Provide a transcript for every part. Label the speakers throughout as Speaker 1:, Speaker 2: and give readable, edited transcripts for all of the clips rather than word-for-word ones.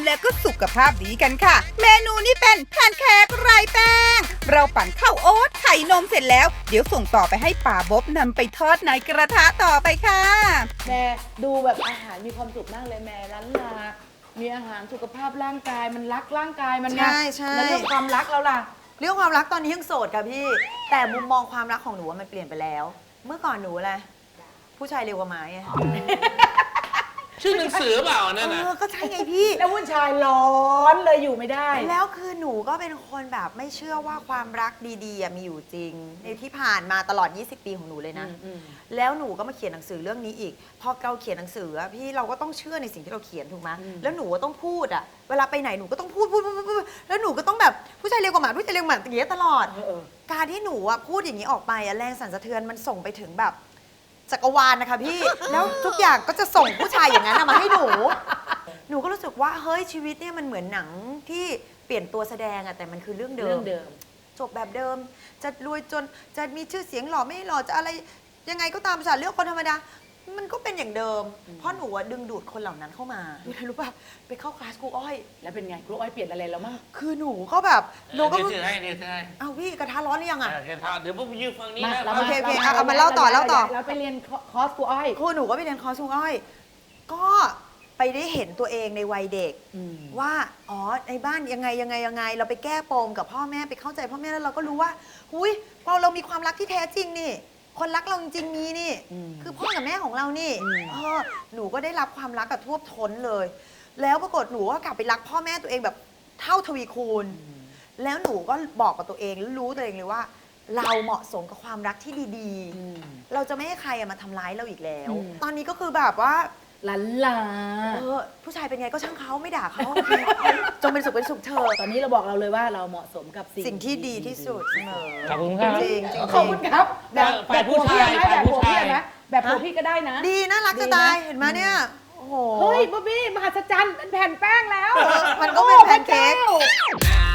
Speaker 1: และก็สุขภาพดีกันค่ะ เมนูนี้เป็นแพนเค้กไร้แป้งเราปั่นข้าวโอ๊ตไข่นมเสร็จแล้วเดี๋ยวส่งต่อไปให้ป่าบ๊อบนำไปทอดในกระทะต่อไปค่ะ
Speaker 2: แม่ดูแบบอาหารมีความสุขมากเลยแม่ล้านลามีอาหารสุขภาพร่างกายมันรักร่างกายมันนะ
Speaker 3: ใช่
Speaker 2: แล้วเรื่องความรักเราล่ะ
Speaker 3: เรื่องความรักตอนนี้ยังโสดค่ะพี่ แต่มุมมองความรักของหนูมันเปลี่ยนไปแล้ว เมื่อก่อนหนูอะไรผู้ชายเร็วกว่าไม้ไง
Speaker 4: ชื่อหนังสือเปล่านั่นน่ะ
Speaker 3: ก็ใช่ไงพี่
Speaker 2: แล้วผู้ชายร้อนเลยอยู่ไม่ได้
Speaker 3: แล้วคือหนูก็เป็นคนแบบไม่เชื่อว่าความรักดีๆมีอยู่จริง ในที่ผ่านมาตลอด 20 ปีของหนูเลยนะ แล้วหนูก็มาเขียนหนังสือเรื่องนี้อีก พอเราเขียนหนังสืออะพี่เราก็ต้องเชื่อในสิ่งที่เราเขียนถูกไหมแล้วหนูก็ต้องพูดอะเวลาไปไหนหนูก็ต้องพูดแล้วหนูก็ต้องแบบผู้ชายเร็วกว่าหมาผู้ชายเร็วกว่าหมาอย่างเงี้ยตลอด การที่หนูอะพูดอย่างนี้ออกไปอะแรงสั่นสะเทือนมันส่งไปถึงแบบจักรวาลนะคะพี่ แล้วทุกอย่างก็จะส่งผู้ชายอย่างนั้นมาให้หนู หนูก็รู้สึกว่าเฮ้ยชีวิตเนี่ยมันเหมือนหนังที่เปลี่ยนตัวแสดงอะแต่มันคือเรื่องเดิ
Speaker 2: เรื่
Speaker 3: ม
Speaker 2: องเดิม
Speaker 3: จบแบบเดิม จะรวยจนจะมีชื่อเสียงหล่อไม่หล่อจะอะไรยังไงก็ตามสารเลือกคนธรรมดา มันก็เป็นอย่างเดิม เพราะหนูอะดึงดูดคนเหล่านั้นเข้ามารู้ป่ะไปเข้าคลาสครูอ้อย
Speaker 2: แล้วเป็นไงครูอ้อยเปลี่ยนอะไรแล้วมั้ง
Speaker 3: คือหนูก็แบบหนูก็
Speaker 4: เดี๋ยวถือให้เดี๋ยวถือให้
Speaker 3: เอาพี่กระทะร้อนหรือยังอะ
Speaker 4: เดี๋ยวพวกผมยืนฟังนี้
Speaker 2: มา
Speaker 4: นะ
Speaker 2: เรา
Speaker 3: โอเคเอามาเล่าต่อ
Speaker 2: เราไปเรียนคอร์สครูอ้อย
Speaker 3: ครูหนูก็ไปเรียนคอร์สครูอ้อย ก็ไปได้เห็นตัวเองในวัยเด็ก ว่าอ๋อในบ้านยังไงเราไปแก้ปมกับพ่อแม่ไปเข้าใจพ่อแม่แล้วเราก็รู้ว่าหุยพอเรามีความรักที่แท้จริงนี่ คนรักเราจริงๆมีนี่ คือพ่อกับแม่ของเรานี่หนูก็ได้รับความรักกับท่วมท้นเลย แล้วปรากฏหนูก็กลับไปรักพ่อแม่ตัวเองแบบเท่าทวีคูณ แล้วหนูก็บอกกับตัวเองแล้วรู้ตัวเองเลยว่า เราเหมาะสมกับความรักที่ดีๆ เราจะไม่ให้ใครมาทำร้ายเราอีกแล้ว ตอนนี้ก็คือแบบว่า
Speaker 2: ลันลา
Speaker 3: ผู้ชายเป็นไงก็ช่างเขาไม่ด่าเขา จงเป็นสุขเธอ
Speaker 2: ตอนนี้เราบอกเราเลยว่าเราเหมาะสมกับ
Speaker 3: สิ่งที่ดีที่สุดเสมอ
Speaker 4: ขอบคุณครับ
Speaker 3: จริงๆ
Speaker 2: ขอบคุณครับ
Speaker 4: ฝ่ายผู้ชาย
Speaker 2: แบบผัว
Speaker 4: ฝ่ายผู้
Speaker 2: พี่
Speaker 4: ชาย
Speaker 2: ไหมแบบผัวพี่ก็ได้นะ
Speaker 3: ดีน่ารักจะตายเห็นไหมเนี่ยโอ้โห
Speaker 2: เฮ้ยบ๊อบบี้มหัศจรรย์เป็นแผ่นแป้งแล้ว
Speaker 3: มันก็เป็นแพนเค้ก
Speaker 2: โอ้พระจ้า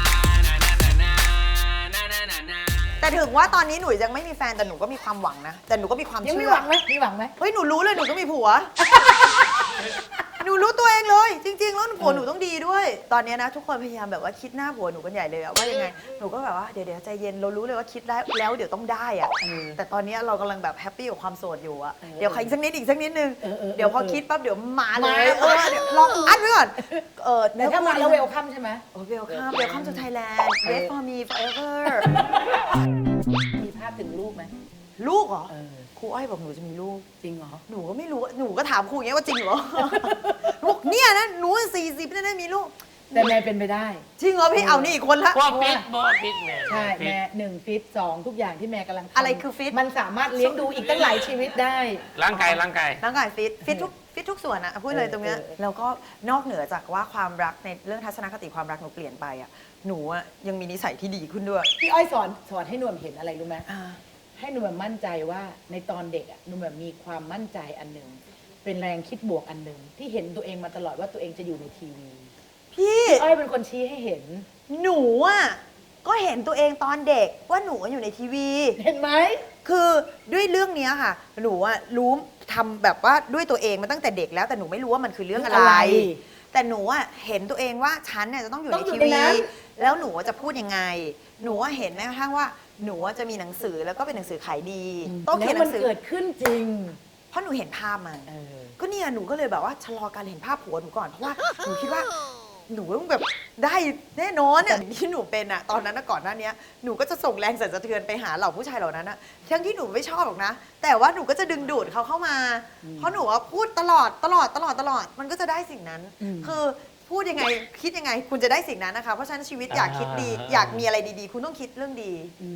Speaker 3: แต่ถึงว่าตอนนี้หนูยังไม่มีแฟนแต่หนูก็มีความหวังนะ แต่หนูก็มีความ
Speaker 2: ยัง
Speaker 3: เชื่
Speaker 2: มี
Speaker 3: อ
Speaker 2: หวังไหมมีหวังไหม
Speaker 3: เฮ้ยหนูรู้เลยหนูต้องมีผัว หนูรู้ตัวเองเลย จริง ๆ แล้วผัวหนูต้องดีด้วย ตอนนี้นะทุกคนพยายามแบบว่าคิดหน้าผัวหนูกันใหญ่เลยอะว่ายังไงหนูก็แบบว่าเดี๋ยวใจเย็นเรารู้เลยว่าคิดแล้วเดี๋ยวต้องได้อะแต่ตอนนี้เรากำลังแบบแฮปปี้กับความโสดอยู่อะเดี๋ยวใครอีกสักนิดนึงเดี๋ยวพอคิดปั๊บเดี๋ยวมาเลยเดี๋ยวลองอัดไว้ก่อน
Speaker 2: แต่ถ้ามาแล้วเวลคัมใช่ไหม
Speaker 3: เวลคัมทูไทยแลนด์ wait for me forever
Speaker 2: มีภาพถึงลูกไหม
Speaker 3: ลูกเหรอครูอ้อยบอกหนูจะมีลูก
Speaker 2: จริงเหรอ
Speaker 3: หนูก็ไม่รู้หนูก็ถามครูอย่างเงี้ยว่าจริงเหรอ บอกเนี่ยนะหนู40เนี่ยนะมีลูก
Speaker 2: แต่แม่เป็นไปได้
Speaker 3: จริงเหรอพี่เอานี่อีกคนละ
Speaker 4: ว่าฟิตบ่ฟิตแม่
Speaker 2: ใช่แม่1 ฟิต 2 ทุกอย่างที่แม่กำลังทำ
Speaker 3: อะไรคือฟิต
Speaker 2: มันสามารถเลี้ยงดูอีกตั้งหลายชีวิตได้
Speaker 4: ร่างกาย
Speaker 3: ร่างกายฟิตทุกส่วนอะพูดเลยตรงเนี้ยแล้วก็นอกเหนือจากว่าความรักในเรื่องทัศนคติความรักหนูเปลี่ยนไปอะหนูอะยังมีนิสัยที่ดีขึ้นด้วย
Speaker 2: พี่อ้อยสอนให้หนุ่มเห็นอะไรรู้ไหมให้หนุ่มมั่นใจว่าในตอนเด็กอะหนุ่มมีความมั่นใจอันหนึ่งเป็นแรงคิดบวกอันหนึ่งที่เห็นตัวเองมาตลอดว่าตัวเองจะอยู่ในทีวี
Speaker 3: พี่
Speaker 2: อ้อยเป็นคนชี้ให้เห็น
Speaker 3: หนูอะก็เห็นตัวเองตอนเด็กว่าหนูอยู่ในทีวี
Speaker 2: เห็นไหม
Speaker 3: คือด้วยเรื่องเนี้ยค่ะ หนูอะรู้ทำแบบว่าด้วยตัวเองมาตั้งแต่เด็กแล้วแต่หนูไม่รู้ว่ามันคือเรื่องอะไร แต่หนูอะเห็นตัวเองว่าฉันเนี่ยจะต้องอยู่ในทีวีแล้วหนูจะพูดยังไง หนูว่าเห็นแม้กระทั่งว่าหนูจะมีหนังสือแล้วก็เป็นหนังสือขายดีต้องเขียนหนังสือ
Speaker 2: แล้วมันเกิดขึ้นจริง
Speaker 3: เพราะหนูเห็นภาพมันก็เนี่ยหนูก็เลยแบบว่าชะลอการเห็นภาพผัวหนูก่อนเพราะว่าหนูคิดว่าหนูต้องแบบได้แน่นอนเนี่ยที่หนูเป็นอะตอนนั้นก่อนหน้านี้หนูก็จะส่งแรงสั่นสะเทือนไปหาเหล่าผู้ชายเหล่านั้นอะทั้งที่หนูไม่ชอบหรอกนะ แต่ว่าหนูก็จะดึงดูดเขาเข้ามา เพราะหนูว่าพูดตลอดมันก็จะได้สิ่งนั้น คือพูดยังไงคิดยังไง คุณจะได้สิ่งนั้นนะคะเพราะฉะนั้นชีวิตอยากคิดดีอยากมีอะไรดีๆ คุณต้องคิดเรื่องดี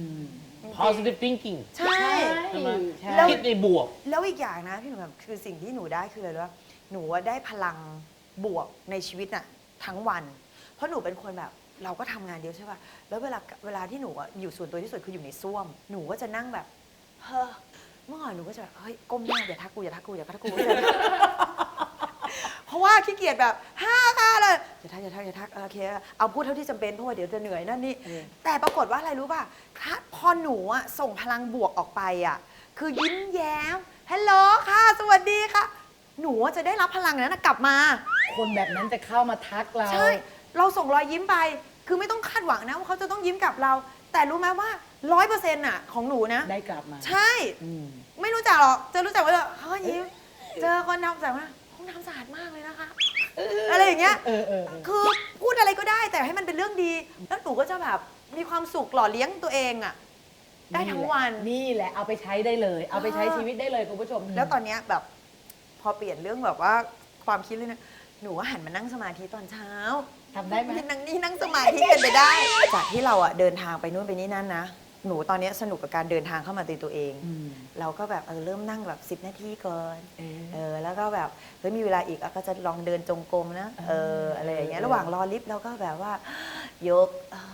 Speaker 4: positive thinking
Speaker 3: ใช่
Speaker 4: ใช่ไหม
Speaker 3: แล้ว
Speaker 4: คิดในบวก
Speaker 3: แล้วอีกอย่างนะพี่หนูแบบคือสิ่งที่หนูได้คืออะไรรู้ป่ะหนูว่าได้พลังบวกในชีวิตน่ะทั้งวัน เพราะหนูเป็นคนแบบเราก็ทำงานเยอะใช่ป่ะแล้วเวลาที่หนูอยู่ส่วนตัวที่สุดคืออยู่ในซ่วมหนูก็จะนั่งแบบเฮ้อเมื่อก่อนหนูก็จะแบบเฮ้ยก้มหน้าอย่าทักกูเพราะว่าขี้เกียจแบบค่ะเลยอย่าทักโอเคเอาพูดเท่าที่จำเป็นเพราะว่าเดี๋ยวจะเหนื่อยนั่นนี่แต่ปรากฏว่าอะไรรู้ป่ะพอหนูอะส่งพลังบวกออกไปอะคือยิ้มแย้มฮัลโหลค่ะสวัสดีค่ะหนูจะได้รับพลังนั้นนะกลับมา
Speaker 2: คนแบบนั้นจะเข้ามาทักเรา
Speaker 3: ใช่ เราส่งรอยยิ้มไป คือไม่ต้องคาดหวังนะว่าเขาจะต้องยิ้มกลับเรา แต่รู้ไหมว่า100%น่ะของหนูนะ
Speaker 2: ได้กลับมา
Speaker 3: ใช่
Speaker 2: อืม
Speaker 3: ไม่รู้จักหรอกจะรู้จักว่าเขาก็ยิ้ม เจอคนทำแต่ว่าห้องน้ำสะอาดมากเลยนะคะ อะไรอย่างเงี้ย คือพูดอะไรก็ได้แต่ให้มันเป็นเรื่องดี แล้วหนูก็จะแบบมีความสุขหล่อเลี้ยงตัวเองอะได้ทั้งวัน
Speaker 2: นี่แหละเอาไปใช้ได้เลย เอาไปใช้ชีวิตได้เลยคุณผู้ชม
Speaker 3: แล้วตอนเนี้ยแบบพอเปลี่ยนเรื่องแบบว่าความคิดเลยนะ หนูก็หันมานั่งสมาธิตอนเช้า
Speaker 2: ทำได้ไหม
Speaker 3: นั่งสมาธิกันไปได้ จากที่เราอะเดินทางไปนู่นไปนี่นั่นนะ หนูตอนเนี้ยสนุกกับการเดินทางเข้ามาตีตัวเอง เราก็แบบเริ่มนั่งแบบ10 นาทีก่อนแล้วก็แบบเฮ้ยมีเวลาอีกก็จะลองเดินจงกรมนะอะไรอย่างเงี้ยระหว่างรอลิฟต์เราก็แบบว่ายก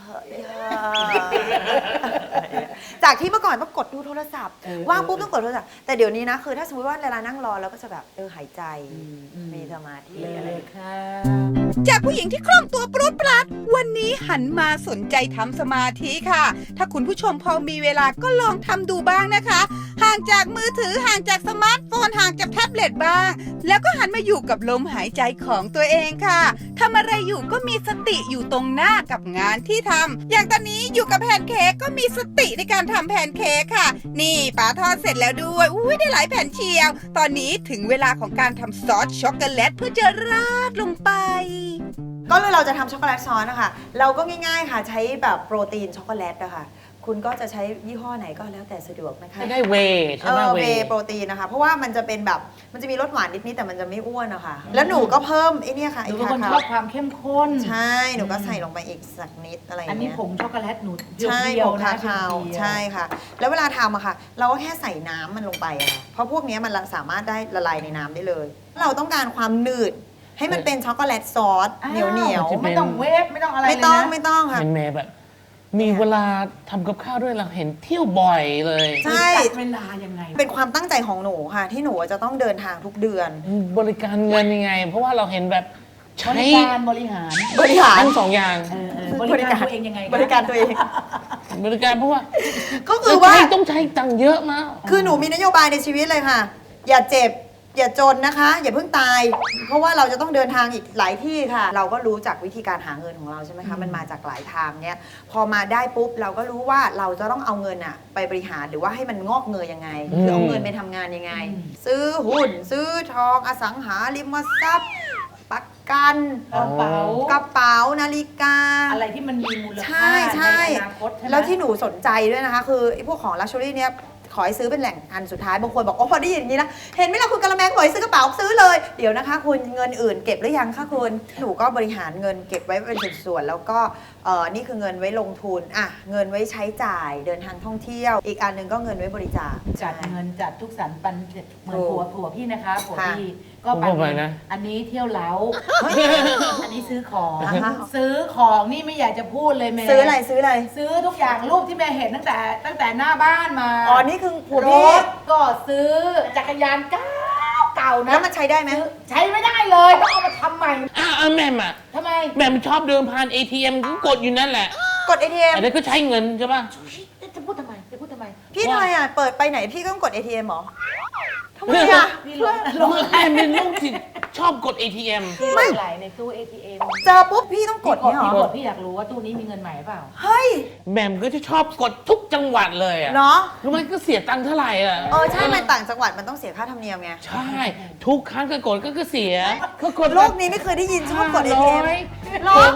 Speaker 3: จากที่เมื่อก่อนต้องกดดูโทรศัพท์ว่างปุ๊บต้องกดโทรศัพท์แต่เดี๋ยวนี้นะคือถ้าสมมติว่าเวลานั่งรอเราก็จะแบบหายใจมีสมาธิ
Speaker 2: เล
Speaker 3: อะไร
Speaker 2: ยค่ะ
Speaker 1: จากผู้หญิงที่คล่องตัวปรุดปรัดวันนี้หันมาสนใจทำสมาธิค่ะ ถ้าคุณผู้ชมพอมีเวลาก็ลองทำดูบ้างนะคะ ห่างจากมือถือห่างจากสมาร์ทโฟนห่างจากแท็บเล็ตบ้าง แล้วก็หันมาอยู่กับลมหายใจของตัวเองค่ะทำอะไรอยู่ก็มีสติอยู่ตรงหน้ากับงานที่ทำอย่างตอนนี้อยู่กับแพนเค้กก็มีสติในการทำแพนเค้กค่ะ นี่ป๋าทอดเสร็จแล้วด้วยอุ้ยได้หลายแผ่นเชียว ตอนนี้ถึงเวลาของการทำซอสช็อกโกแลตเพื่อจะราดลงไป
Speaker 3: ก็เลยเราจะทำช็อกโกแลตซอสนะคะเราก็ง่ายๆค่ะใช้แบบโปรตีนช็อกโกแลตนะคะคุณก็จะใช้ยี่ห้อไหนก็แล้วแต่สะดวกนะคะ
Speaker 4: ได้เวย์ใช่ไหม
Speaker 3: เวย์โปรตีนนะคะ เพราะว่ามันจะเป็นแบบมันจะมีรสหวานนิดๆแต่มันจะไม่อ้วนนะคะแล้วหนูก็เพิ่มไอ้เนี่ยค่ะ
Speaker 2: ห
Speaker 3: ไอ้
Speaker 2: นูเป็นคน
Speaker 3: คา
Speaker 2: ชอบ
Speaker 3: คา
Speaker 2: ความเข้มข้น
Speaker 3: ใช่หนูก็ใส่ลงไปอีกสักนิดอะไรอย่าง
Speaker 2: อันนี้
Speaker 3: เงี้ย
Speaker 2: ผงช็อกโกแลตหนู
Speaker 3: ใช่
Speaker 2: เดี
Speaker 3: ผ
Speaker 2: ยว
Speaker 3: ง
Speaker 2: ๆนะ
Speaker 3: คาคาว
Speaker 2: เดียวๆ
Speaker 3: ใช่ค่ะ แล้วเวลาทำอะค่ะ เราก็แค่ใส่น้ำมันลงไปอะค่ะเพราะพวกเนี้ยมันสามารถได้ละลายในน้ำได้เลย เราต้องการความหนืดให้มันเป็นช็อกโกแลตซอสเหนียว
Speaker 2: ไม่ต้องเวฟไม่ต้องอะไร
Speaker 3: ๆ
Speaker 2: เลย
Speaker 3: ไม่ต้อง
Speaker 2: นะ
Speaker 3: ไม่ต้องค่ะ
Speaker 4: เห็นแม่แบบ มีเวลาทำกับข้าวด้วยเราเห็นเที่ยวบ่อยเลย
Speaker 3: ใช่
Speaker 2: จัดเวลายังไง
Speaker 3: เป็นความตั้งใจของหนูค่ะ ที่หนูจะต้องเดินทางทุกเดือน
Speaker 4: บริการเงินยังไง เพราะว่าเราเห็นแบบ
Speaker 2: บ
Speaker 4: ใช้
Speaker 2: ริการบริหาร
Speaker 3: บริหาร
Speaker 4: ทั้งสองอย่าง
Speaker 2: บริการตัวเองยังไงคะ
Speaker 3: บริการตัวเอง
Speaker 4: บริการเพราะว่า
Speaker 3: ก็คือว่า
Speaker 4: ต้องใช้ตังค์เยอะมาก
Speaker 3: คือหนูมีนโยบายในชีวิตเลยค่ะ อย่าเจ็บ อย่าจนนะคะ อย่าเพิ่งตาย เพราะว่าเราจะต้องเดินทางอีกหลายที่ค่ะ เราก็รู้จากวิธีการหาเงินของเราใช่ไหมคะมันมาจากหลายทางเนี้ยพอมาได้ปุ๊บเราก็รู้ว่าเราจะต้องเอาเงินอะไปบริหารหรือว่าให้มันงอกเงยยังไงคือเอาเงินไปทำงานยังไง ซื้อหุ้นซื้อทองอสังหาริมทรัพย์ประกัน
Speaker 2: กระเป๋า
Speaker 3: กระเป๋านาฬิกา
Speaker 2: อะไรที่มันมีมูล
Speaker 3: ใช่
Speaker 2: ค่า
Speaker 3: ใช่
Speaker 2: ในอนาคตใช่ไหม
Speaker 3: แล้วที่หนูสนใจด้วยนะคะ คือไอ้พวกของลักชัวรี่เนี้ยขอให้ซื้อเป็นแหล่งอันสุดท้ายบางคนบอกโอ้พอได้ยินอย่างนี้นะเห็นไหมล่ะคุณกะละแมบอกให้ซื้อกระเป๋าซื้อเลยเดี๋ยวนะคะ คุณเงินอื่นเก็บหรือยังคะคุณหนูก็บริหารเงินเก็บไว้เป็นส่วนๆแล้วก็นี่คือเงินไว้ลงทุนอ่ะเงินไว้ใช้จ่ายเดินทางท่องเที่ยว อีกอันหนึงก็เงินไว้บริจาค
Speaker 2: จัดเงินจัดทุกสรรปันเหมือน
Speaker 3: ถูก
Speaker 2: ผัวพี่นะคะผัว
Speaker 3: ค่ะ
Speaker 2: พี่ก็
Speaker 4: ผมบอกไปนะ
Speaker 2: อันนี้เที่ยวเล้าอันนี้ซื้อของ
Speaker 3: อ่าฮะ
Speaker 2: ซื้อของนี่ไม่อยากจะพูดเลยแม่
Speaker 3: ซื้ออะไรซื้ออะไร
Speaker 2: ซื้อทุกอย่างรูปที่แม่เห็นตั้งแต่หน้าบ้านมา
Speaker 3: อ๋อนี่คือผัว
Speaker 2: ร
Speaker 3: พี่
Speaker 2: ถก็ซื้อจักรยานเก่านะ
Speaker 3: แล้วมันใช้ได้ไหม
Speaker 2: ซื้อใช้ไม่ได้เลยต้องเอามาทำใหม่
Speaker 4: แม่มอ่ะ
Speaker 2: ทำไม
Speaker 4: แม่มชอบเดินผ่าน ATM ก็กดอยู่นั่นแหละ
Speaker 3: กด ATM
Speaker 4: อันนั้นก็ใช้เงินใช่ป่ะ
Speaker 2: จะพูดทำไมจะพูดทำไม
Speaker 3: พี่ทำไมอ่ะเปิดไปไหนพี่ก็ต้องกด ATM เหรอทำไมอ่ะ
Speaker 2: พี่ลง
Speaker 4: แม่เป็นลูกที่ชอบกด ATM
Speaker 2: พี่ลงไหลในตู้ ATM
Speaker 3: เจอปุ๊บพี่ต้องกดเนี่ยเหร
Speaker 2: พี่
Speaker 3: อก
Speaker 2: ดพี่อยากรู้ว่าตู้นี้มีเงินใหม่เปล่า
Speaker 3: เฮ้ย
Speaker 4: แม่มก็จะชอบกดทุกจังหวัดเลยอ่ะ
Speaker 3: เนาะ
Speaker 4: รู้ไหมก็เสียตังค์เท่าไหร่อ่ะ
Speaker 3: ใช่มันต่างจังหวัดมันต้องเสียค่าธรรมเนียมไง
Speaker 4: ใช่ ทุกครั้งก็กดก็เสียก็กด
Speaker 3: โลกนี้ไม่เคยได้ยินชอบกด ATM
Speaker 2: หรอ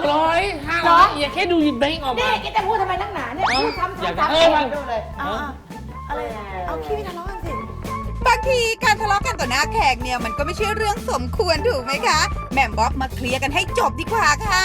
Speaker 4: 600 500อย่าแค่ดูแบงก์ออก
Speaker 2: นี่
Speaker 4: มา
Speaker 2: แกจะพูดทำไมนักหนาเนี่ยพูดซ้ำ
Speaker 4: อยาก
Speaker 2: ๆ
Speaker 4: จะ
Speaker 2: ๆ
Speaker 4: เออมัน
Speaker 2: ดูเลย
Speaker 3: เอาอะไรเอาพี่ไม่ทะเลาะกันสิ
Speaker 1: บางทีการทะเลาะกันต่อหน้าแขกเนี่ยมันก็ไม่ใช่เรื่องสมควรถูกไหมคะแหม่มบ๊อบมาเคลียร์กันให้จบดีกว่าค่ะ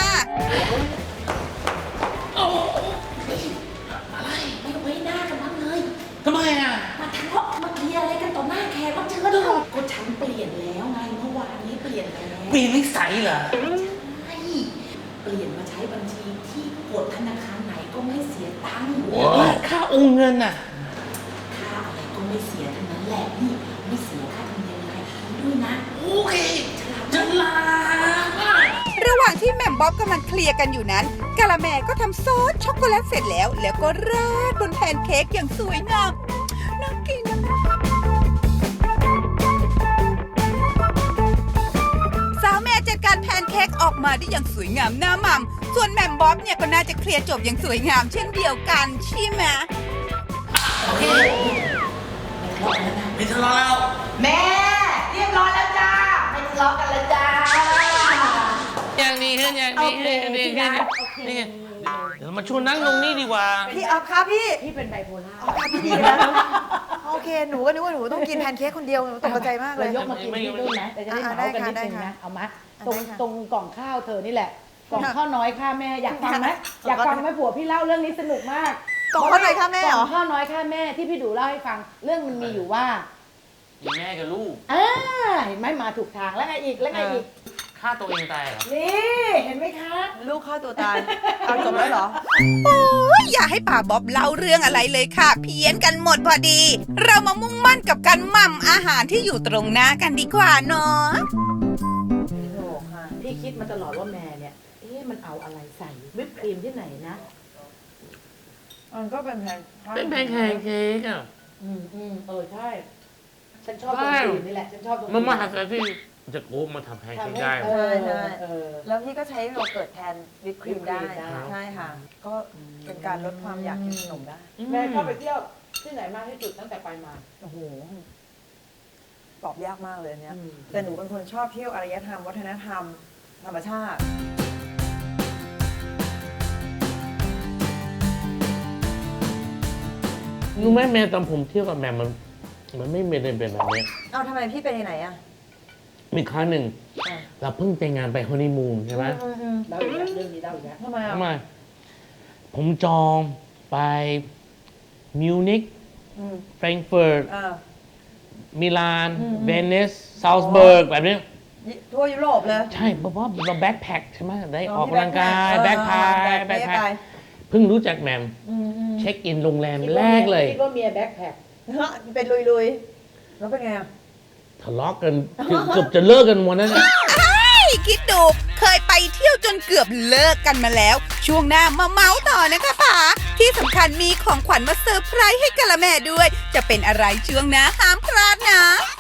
Speaker 5: ไม่ไว้หน้ากันบ้างเลย
Speaker 4: ทำไมอ่ะ
Speaker 5: มาทะเลาะมาเคลียร์อะไรกันต่อหน้าแขกรับเชิญเหรอก็ฉันเปลี่ยนแล้วไงเมื่อวานนี้เปลี่ยนแล้ว
Speaker 4: ปีนิสัยเหรอ
Speaker 5: ใช่เปลี่ยนมาใช้บัญชีที่กดธนาคารไหนก็ไม่เสียตังค์
Speaker 4: ค่าโองเงินอ่ะ
Speaker 5: ค่าอะไรก็ไม่เสียทั้งนั้นแหละนี่ไม่เสียค่าธรรมเนียมอะไรด้วยนะ
Speaker 4: โอเคฉลาด
Speaker 1: ระหว่างที่แหม่มบ๊อบกำลังเคลียร์กันอยู่นั้นกะละแมก็ทำซอสช็อกโกแลตเสร็จแล้ว แล้วก็ราดบนแพนเค้กอย่างสวยงามน่ากินค้กออกมาได้อย่างสวยงามน่าหม่ำส่วนแหม่มบ๊อบเนี่ยก็น่าจะเคลียร์จบอย่างสวยงามเช่นเดียวกันใช่ไหม
Speaker 4: ไม่ทะเลาะแล้ว
Speaker 5: แม่เรียบร้อยแล้วจ้าไม่ทะเลาะกันแล้วจ้า
Speaker 4: อย่างนี้ขึ้นอย่างนี้ขึ้นอย่างนี้ขึ้นนี่ไงเดี๋ยวเรามาชวนนั่งลงนี่ดีกว่า
Speaker 3: พี่เอาครับพี่
Speaker 2: พี่เป็นไบโพล่า
Speaker 3: พี่ดีแล้วโอเคหนูก็นึกว่าหนูต้องกินแพนเค้กคนเดียวหนูตกใจมากเลย
Speaker 2: เรายกมากินที่นู่นนะแต่จะได้เหมากันนิดนึงนะเอามาตรง
Speaker 3: ได้ค่ะ
Speaker 2: ตรงกล่องข้าวเธอนี่แหละกล่องข้าวน้อยค่าแม่อยากฟังไหมอยากฟังไหมผัวพี่เล่าเรื่องนี้สนุกมาก
Speaker 3: กล่องข้าวน้อยค่าแม่เหรอ
Speaker 2: กล่องข้าวน้อยค่าแม่ที่พี่ดูเล่าให้ฟังเรื่องมันมีอยู่ว่า
Speaker 4: มีแม่กับลูก
Speaker 2: เห็นไหมมาถูกทางแล้วไงอีกแล้วไงอีก
Speaker 4: ฆ่าตัวเองตายเหรอ
Speaker 2: นี่เห็นไหมคะ
Speaker 3: ลูกฆ่าตัวตายเอาจบแล้วเหรอ
Speaker 1: โอ้ยอย่าให้ป่าบ๊อบเล่าเรื่องอะไรเลยค่ะ เพี้ยนกันหมดพอดี เรามามุ่งมั่นกับการหม่ำอาหารที่อยู่ตรงหน้ากันดีกว่าเนาะ
Speaker 2: โอ้ค่ะพี่คิดมาตลอดว่าแม่เนี่ยมันเอาอะไรใส่วิปครีมที่ไหนนะ
Speaker 3: มันก็เป็นแพน
Speaker 4: เป็นแพนเค้กอ่ะ
Speaker 2: ใช่ฉันชอบตรงครีมนี่แหละฉันชอบตรง
Speaker 4: มันมาหาใครที่จะโค้งมาทำแพนเค้กได้
Speaker 2: ใช่ใช่
Speaker 3: แล้วพี่ก็ใช้โยเกิร์ตแทนวิปครีมได้
Speaker 2: วิปครีมได้
Speaker 3: ใช่ค่ะ ก็เป็นการลดความอยากกินขนมได้
Speaker 2: แม่ชอบไปเที่ยวที่ไหนมากที่สุดตั้งแต่ไปมา
Speaker 3: โอ้โหตอบยากมากเลยอันเนี้ย
Speaker 2: อืม
Speaker 3: แต่หนูเป็นคนชอบเที่ยวอารยธรรม วัฒนธรรม ธรรมชาติ
Speaker 4: รู้ไหมแม่ตอนผมเที่ยวกับแม่มันไม่เป็นแบบนี้
Speaker 3: เอาทำไมพี่ไปไหนอ่ะ
Speaker 4: มีครั้งหนึ่งเราเพิ่งแต่งงานไปฮันนีมูนใช่ไหม
Speaker 2: เล่าอีกแล้วเรื่องนี้เล่าอีกแล้ว
Speaker 3: ทำไมอ่ะ
Speaker 4: ทำไมผมจองไปมิวนิก
Speaker 3: อืม
Speaker 4: แฟรงก์เฟิร์ต
Speaker 3: อ่า
Speaker 4: มิลาน เวนิสซาวส์เบิร์กแบบนี้
Speaker 3: ทั่วยุโรปเลย
Speaker 4: ใช่เพราะว่าเราแบ็คแพ็คใช่ไหมได้
Speaker 3: อ๋
Speaker 4: อ
Speaker 3: อ
Speaker 4: อกกำลังกายแบ็คพาย
Speaker 3: แบ็
Speaker 4: แบ็
Speaker 3: ค
Speaker 4: ค
Speaker 3: แพ็
Speaker 4: แพ็
Speaker 3: ค
Speaker 4: คเพิ่งรู้จักแหมมเช็คอินโรงแรมแรกเลย
Speaker 2: คิดว่าเมียแบ็คแพ็ค
Speaker 3: เป็นลุยๆ แล้วเป็นไงอ่ะ
Speaker 4: ทะเลาะกันเกือบจะเลิกกันวันนั้นน่ะ
Speaker 1: คิดดูเคยไปเที่ยวจนเกือบเลิกกันมาแล้ว ช่วงหน้ามาเมาส์ต่อนะคะป๋าที่สำคัญมีของขวัญมาเซอร์ไพรส์ให้กะละแม่ด้วย จะเป็นอะไรช่วงหน้าห้ามพลาดนะ